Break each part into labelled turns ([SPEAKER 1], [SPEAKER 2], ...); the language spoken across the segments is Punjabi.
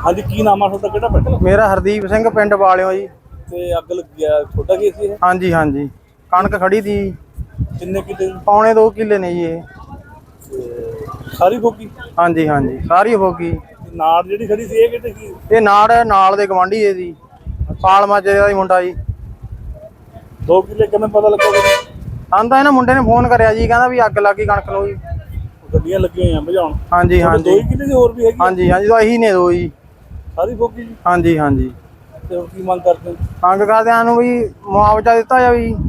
[SPEAKER 1] ਹਾਂਜੀ, ਕੀ ਨਾਮ ਆ ਤੁਹਾਡਾ, ਕਿਹੜਾ ਪਿੰਡ?
[SPEAKER 2] ਮੇਰਾ ਹਰਦੀਪ ਸਿੰਘ, ਪਿੰਡ ਵਾਲਿਓ ਜੀ।
[SPEAKER 1] ਤੇ ਅੱਗ ਲੱਗੀ ਆ, ਤੁਹਾਡਾ ਕੀ ਸੀ ਇਹ?
[SPEAKER 2] ਹਾਂਜੀ ਹਾਂਜੀ, ਕਣਕ ਖੜੀ ਤੀ।
[SPEAKER 1] ਕਿੰਨੇ ਕਿੱਲੇ?
[SPEAKER 2] ਪੌਣੇ 2 ਕਿੱਲੇ ਨੇ ਜੀ ਇਹ।
[SPEAKER 1] ਸਾਰੀ ਫੋਕੀ?
[SPEAKER 2] ਹਾਂਜੀ ਹਾਂਜੀ, ਸਾਰੀ ਹੋ ਗਈ।
[SPEAKER 1] ਨਾੜ ਜਿਹੜੀ ਖੜੀ ਸੀ ਇਹ ਕਿਤੇ ਕੀ?
[SPEAKER 2] ਇਹ ਨਾਲ ਦੇ ਗਵਾਂਢੀ ਹੈ ਜੀ, ਪਾਲਮਾ ਚ ਦਾ ਹੀ ਮੁੰਡਾ ਜੀ।
[SPEAKER 1] 2 ਕਿੱਲੇ ਕਿਵੇਂ ਪਤਾ ਲੱਗਾ?
[SPEAKER 2] ਆਂਦਾ ਇਹਨਾਂ ਮੁੰਡੇ ਨੇ ਫੋਨ ਕਰਿਆ ਜੀ, ਕਹਿੰਦਾ ਵੀ ਅੱਗ ਲੱਗ ਗਈ ਕਣਕ ਨੂੰ ਜੀ।
[SPEAKER 1] ਗੱਡੀਆਂ ਲੱਗੀਆਂ ਹੋਈਆਂ ਬੁਝਾਉਣ?
[SPEAKER 2] ਹਾਂਜੀ ਹਾਂਜੀ।
[SPEAKER 1] 2 ਕਿੱਲੇ ਦੀ ਹੋਰ ਵੀ ਹੈਗੀ?
[SPEAKER 2] ਹਾਂਜੀ ਹਾਂਜੀ, ਤਾਂ ਇਹੀ ਨੇ 2 ਜੀ।
[SPEAKER 1] ਸਾਰੀ ਫੋਕੀ ਜੀ?
[SPEAKER 2] ਹਾਂਜੀ ਹਾਂਜੀ।
[SPEAKER 1] ਤੇ ਹੁਣ ਕੀ ਮੰਗ ਕਰਦੇ?
[SPEAKER 2] ਮੰਗ ਕਰਦਿਆਂ ਨੂੰ ਵੀ ਮੁਆਵਜ਼ਾ ਦਿੱਤਾ ਜਾਵੇ ਜੀ।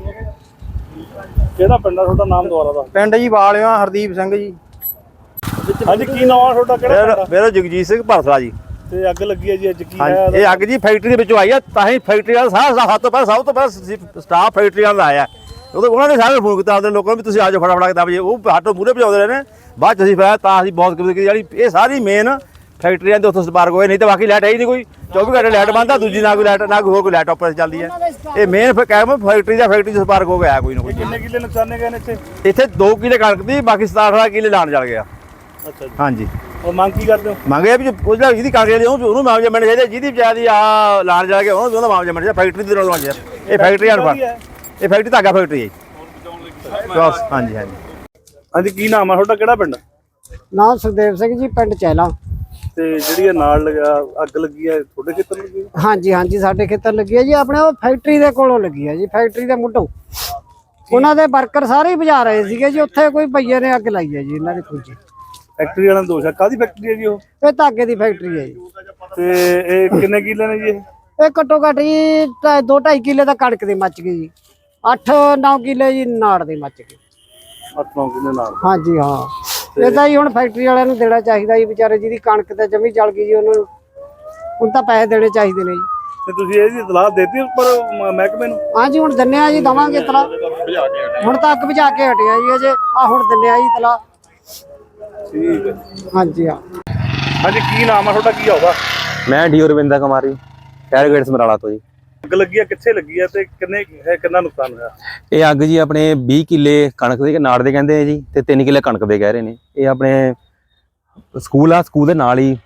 [SPEAKER 1] ਕਿਹੜਾ ਪਿੰਡ ਆ ਤੁਹਾਡਾ, ਨਾਮ ਦੁਆਰਾ ਦਾ?
[SPEAKER 2] ਪਿੰਡ ਜੀ ਵਾਲਿਓ, ਹਰਦੀਪ ਸਿੰਘ ਜੀ।
[SPEAKER 1] ਹਾਂਜੀ, ਕੀ ਨਾਮ ਆ ਤੁਹਾਡਾ, ਕਿਹੜਾ ਪਿੰਡ?
[SPEAKER 3] ਮੇਰਾ ਜਗਜੀਤ ਸਿੰਘ ਭਰਥਲਾ ਜੀ।
[SPEAKER 1] ਤੇ ਅੱਗ ਲੱਗੀ ਹੈ ਜੀ, ਅੱਜ ਕੀ ਹੈ?
[SPEAKER 3] ਇਹ ਅੱਗ ਜੀ ਫੈਕਟਰੀ ਦੇ ਵਿੱਚੋਂ ਆਈ ਆ, ਤਾਂ ਹੀ ਫੈਕਟਰੀ ਵਾਲਾ ਸਭ ਤੋਂ ਪਹਿਲਾਂ ਸਟਾਫ ਫੈਕਟਰੀ ਵਾਲਾ ਆਇਆ। ਉਹਨਾਂ ਨੇ ਸਾਰੇ ਫੋਨ ਕੀਤਾ ਆਪਣੇ ਲੋਕਾਂ ਨੂੰ ਵੀ ਤੁਸੀਂ ਆ ਜਾਓ ਫਟਾਫਟ ਕਿਤਾਬ ਜੀ। ਉਹ ਹੱਥੋਂ ਮੂਹਰੇ ਭਜਾਉਂਦੇ ਰਹੇ ਨੇ, ਬਾਅਦ ਚ ਅਸੀਂ ਫਿਰ ਤਾਂ ਅਸੀਂ ਬਹੁਤ ਜਿਹੜੀ ਇਹ ਸਾਰੀ ਮੇਨ ਫੈਕਟਰੀਆਂ ਦੇ ਉੱਥੋਂ ਸਪਾਰਕ ਹੋਏ, ਨਹੀਂ ਤਾਂ ਬਾਕੀ ਲਾਈਟ ਹੈ ਹੀ ਨਹੀਂ ਕੋਈ। 24 ਘੰਟੇ ਲਾਈਟ ਬੰਦ ਆ, ਦੂਜੀ ਨਾ ਕੋਈ ਲਾਈਟ, ਨਾ ਕੋਈ ਲਾਈਟ ਆਪਰੇਸ਼ਨ ਚੱਲਦੀ ਹੈ। ਇਹ ਮੇਨ ਕਹਿ ਫੈਕਟਰੀ ਦਾ ਸਪਾਰਕ ਹੋ ਗਿਆ ਕੋਈ ਨਾ ਕੋਈ।
[SPEAKER 1] ਕਿੰਨੇ ਕਿੱਲੇ ਨੁਕਸਾਨੇ ਗਏ ਨੇ ਇੱਥੇ?
[SPEAKER 3] ਇੱਥੇ 2 ਕਿੱਲੇ ਕਣਕ ਦੀ, ਬਾਕੀ 17-18 ਕਿੱਲੇ ਲਾਣ ਚੱਲ ਗਿਆ।
[SPEAKER 1] ਅੱਛਾ ਜੀ।
[SPEAKER 3] ਹਾਂਜੀ।
[SPEAKER 1] ਉਹ ਮੰਗ ਕੀ ਕਰਦੇ ਹੋ?
[SPEAKER 3] ਮੰਗਿਆ ਵੀ ਉਹਦਾ ਜਿਹਦੀ ਕਣਕ ਲਈ ਉਹਨੂੰ ਮੁਆਵਜ਼ਾ ਮਿਲਣਾ ਚਾਹੀਦਾ, ਜਿਹਦੀ ਵਿਚਾਰੀ ਆ ਲਾਣ ਜਾ ਕੇ ਉਹਦਾ ਮੁਆਵਜ਼ਾ ਮਿਲਣਾ ਚਾਹੀਦਾ। ਫੈਕਟਰੀ ਦੇ ਨਾਲ ਮੁਆਵਜ਼ਾ, ਇਹ ਫੈਕਟਰੀ ਅਨਫਰ, ਇਹ ਫੈਕਟਰੀ ਧਾਗਾ ਫੈਕਟਰੀ ਹੈ ਜੀ। ਹਾਂਜੀ ਹਾਂਜੀ।
[SPEAKER 1] ਹਾਂਜੀ, ਕੀ ਨਾਮ ਆ ਤੁਹਾਡਾ, ਕਿਹੜਾ ਪਿੰਡ?
[SPEAKER 2] ਨਾਮ ਸੁਖਦੇਵ ਸਿੰਘ ਜੀ, ਪਿੰਡ ਚੈਲਾ।
[SPEAKER 1] ਤੇ ਜਿਹੜੀ ਇਹ ਨਾਲ ਲਗਾ ਅੱਗ ਲੱਗੀ ਹੈ, ਤੁਹਾਡੇ ਖੇਤਰ ਲੱਗੀ?
[SPEAKER 2] ਹਾਂਜੀ ਹਾਂਜੀ, ਸਾਡੇ ਖੇਤਰ ਲੱਗੀ ਹੈ ਜੀ। ਆਪਣੇ ਉਹ ਫੈਕਟਰੀ ਦੇ ਕੋਲੋਂ ਲੱਗੀ ਹੈ ਜੀ, ਫੈਕਟਰੀ ਦੇ ਮੁੱਢੋਂ। ਉਹਨਾਂ ਦੇ ਵਰਕਰ ਸਾਰੇ ਹੀ ਬੁਝਾ ਰਹੇ ਸੀਗੇ ਜੀ, ਉੱਥੇ ਕੋਈ ਭਈਏ ਨੇ ਅੱਗ ਲਾਈ ਹੈ ਜੀ ਇਹਨਾਂ ਦੀ ਖੁੱਜੀ।
[SPEAKER 1] ਫੈਕਟਰੀ ਵਾਲਾ ਦੋਸ਼ ਹੈ? ਕਾਹਦੀ ਫੈਕਟਰੀ ਹੈ ਜੀ ਉਹ?
[SPEAKER 2] ਇਹ ਧਾਗੇ ਦੀ ਫੈਕਟਰੀ ਹੈ ਜੀ।
[SPEAKER 1] ਤੇ ਇਹ ਕਿੰਨੇ ਕਿੱਲੇ ਨੇ ਜੀ ਇਹ?
[SPEAKER 2] ਇਹ ਘੱਟੋ ਘੱਟ ਜੀ 2-2.5 ਕਿੱਲੇ ਦਾ ਕਣਕ ਦੀ ਮੱਚ ਗਈ ਜੀ। 8-9 ਕਿੱਲੇ ਜੀ ਨਾੜ ਦੀ ਮੱਚ ਗਈ।
[SPEAKER 1] 8-9 ਕਿੱਲੇ ਨਾਲ?
[SPEAKER 2] ਹਾਂਜੀ ਹਾਂ। ਇਹ ਤਾਂ ਜੀ ਹੁਣ ਫੈਕਟਰੀ ਵਾਲਿਆਂ ਨੂੰ ਦੇਣਾ ਚਾਹੀਦਾ ਜੀ, ਵਿਚਾਰੇ ਜਿਹਦੀ ਕਣਕ ਤੇ ਜਮੀ ਜਲ ਗਈ ਜੀ, ਉਹਨਾਂ ਨੂੰ ਹੁਣ ਤਾਂ ਪੈਸੇ ਦੇਣੇ ਚਾਹੀਦੇ ਨੇ ਜੀ।
[SPEAKER 1] ਤੇ ਤੁਸੀਂ ਇਹਦੀ ਇਤਲਾਹ ਦੇਤੀ ਉੱਪਰ ਮਹਿਕਮੇ ਨੂੰ?
[SPEAKER 2] ਹਾਂਜੀ, ਹੁਣ ਦਿੰਨੇ ਆ ਜੀ, ਦਵਾਂਗੇ ਇਤਲਾਹ। ਹੁਣ ਤਾਂ ਅੱਗ ਬੁਝਾ ਕੇ ਹਟਿਆ ਜੀ ਅਜੇ, ਆ ਹੁਣ ਦਿੰਨੇ ਆ ਜੀ ਇਤਲਾਹ।
[SPEAKER 1] ਠੀਕ ਹੈ।
[SPEAKER 2] ਹਾਂਜੀ ਹਾਂ।
[SPEAKER 1] ਹਾਂਜੀ, ਕੀ ਨਾਮ ਆ ਤੁਹਾਡਾ, ਕੀ ਆਉਦਾ?
[SPEAKER 4] ਮੈਂ D Ravinder Kumari, fire gate Samrala ਤੋਂ ਜੀ।
[SPEAKER 1] ਅੱਗ ਲੱਗੀ ਆ, ਕਿੱਥੇ ਲੱਗੀ ਆ ਤੇ ਕਿੰਨਾ ਨੁਕਸਾਨ ਹੋਇਆ?
[SPEAKER 4] ਇਹ ਅੱਗ ਜੀ ਆਪਣੇ 20 ਕਿੱਲੇ ਕਣਕ ਦੇ ਨਾੜ ਦੇ ਕਹਿੰਦੇ ਆ ਜੀ, ਤੇ 3 ਕਿੱਲੇ ਕਣਕ ਦੇ ਕਹਿ ਰਹੇ ਨੇ। ਇਹ ਆਪਣੇ ਸਕੂਲ ਆ, ਸਕੂਲ ਦੇ ਨਾਲ ਹੀ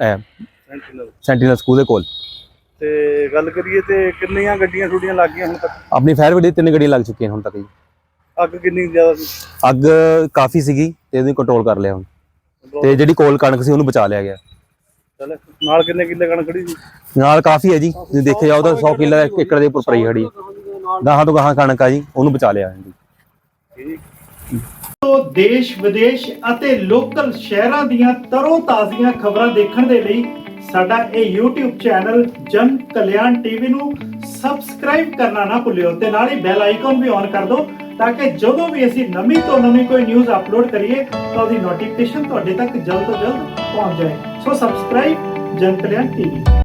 [SPEAKER 4] ਸੈਂਟੀਨਲ ਸਕੂਲ ਦੇ ਕੋਲ।
[SPEAKER 1] ਤੇ ਗੱਲ ਕਰੀਏ ਤੇ ਕਿੰਨੀਆਂ ਗੱਡੀਆਂ ਛੁੱਟੀਆਂ ਲੱਗ ਗਈਆਂ ਹੁਣ ਤੱਕ?
[SPEAKER 4] ਆਪਣੀ ਫਾਇਰ ਬ੍ਰਿਗੇਡ 3 ਗੱਡੀਆਂ ਲੱਗ ਚੁੱਕੀਆਂ ਹੁਣ ਤੱਕ ਜੀ।
[SPEAKER 1] ਅੱਗ ਕਿੰਨੀ ਜ਼ਿਆਦਾ ਸੀ?
[SPEAKER 4] ਅੱਗ ਕਾਫੀ ਸੀਗੀ ਤੇ ਇਹਨੂੰ ਕੰਟਰੋਲ ਕਰ ਲਿਆ ਹੁਣ, ਤੇ ਜਿਹੜੀ ਕੋਲ ਕਣਕ ਸੀ ਉਹਨੂੰ ਬਚਾ ਲਿਆ ਗਿਆ।
[SPEAKER 1] ਚੱਲ, ਨਾਲ ਕਿੰਨੇ ਕਿੱਲੇ ਕਣਕ ਖੜੀ ਸੀ?
[SPEAKER 4] ਨਾਲ ਕਾਫੀ ਹੈ ਜੀ, ਤੁਸੀਂ ਦੇਖਿਆ ਜਾਓ ਤਾਂ 100 ਕਿੱਲਾ 1 ਏਕੜ ਦੇ ਉੱਪਰ ਪਈ ਖੜੀ। ਗਾਹਾਂ ਤੋਂ ਗਾਹਾਂ ਕਣਕ ਆ ਜੀ, ਉਹਨੂੰ ਬਚਾ ਲਿਆ ਜੀ।
[SPEAKER 5] ਤੋਂ ਦੇਸ਼ ਵਿਦੇਸ਼ ਅਤੇ ਲੋਕਲ ਸ਼ਹਿਰਾਂ ਦੀਆਂ ਤਰੋ ਤਾਜ਼ੀਆਂ ਖਬਰਾਂ ਦੇਖਣ ਦੇ ਲਈ ਸਾਡਾ ਇਹ YouTube ਚੈਨਲ ਜਨ ਕਲਿਆਣ ਟੀਵੀ ਨੂੰ ਸਬਸਕ੍ਰਾਈਬ ਕਰਨਾ ਨਾ ਭੁੱਲਿਓ, ਤੇ ਨਾਲ ਹੀ ਬੈਲ ਆਈਕਨ ਵੀ ਔਨ ਕਰ ਦਿਓ, ਤਾਂ ਕਿ ਜਦੋਂ ਵੀ ਅਸੀਂ ਨਵੀਂ ਤੋਂ ਨਵੀਂ ਕੋਈ ਨਿਊਜ਼ ਅਪਲੋਡ ਕਰੀਏ ਤਾਂ ਉਹਦੀ ਨੋਟੀਫਿਕੇਸ਼ਨ ਤੁਹਾਡੇ ਤੱਕ ਜਲਦ ਤੋਂ ਜਲਦ ਪਹੁੰਚ ਜਾਏ। ਸੋ ਸਬਸਕ੍ਰਾਈਬ ਜਨ ਕਲਿਆਣ ਟੀਵੀ।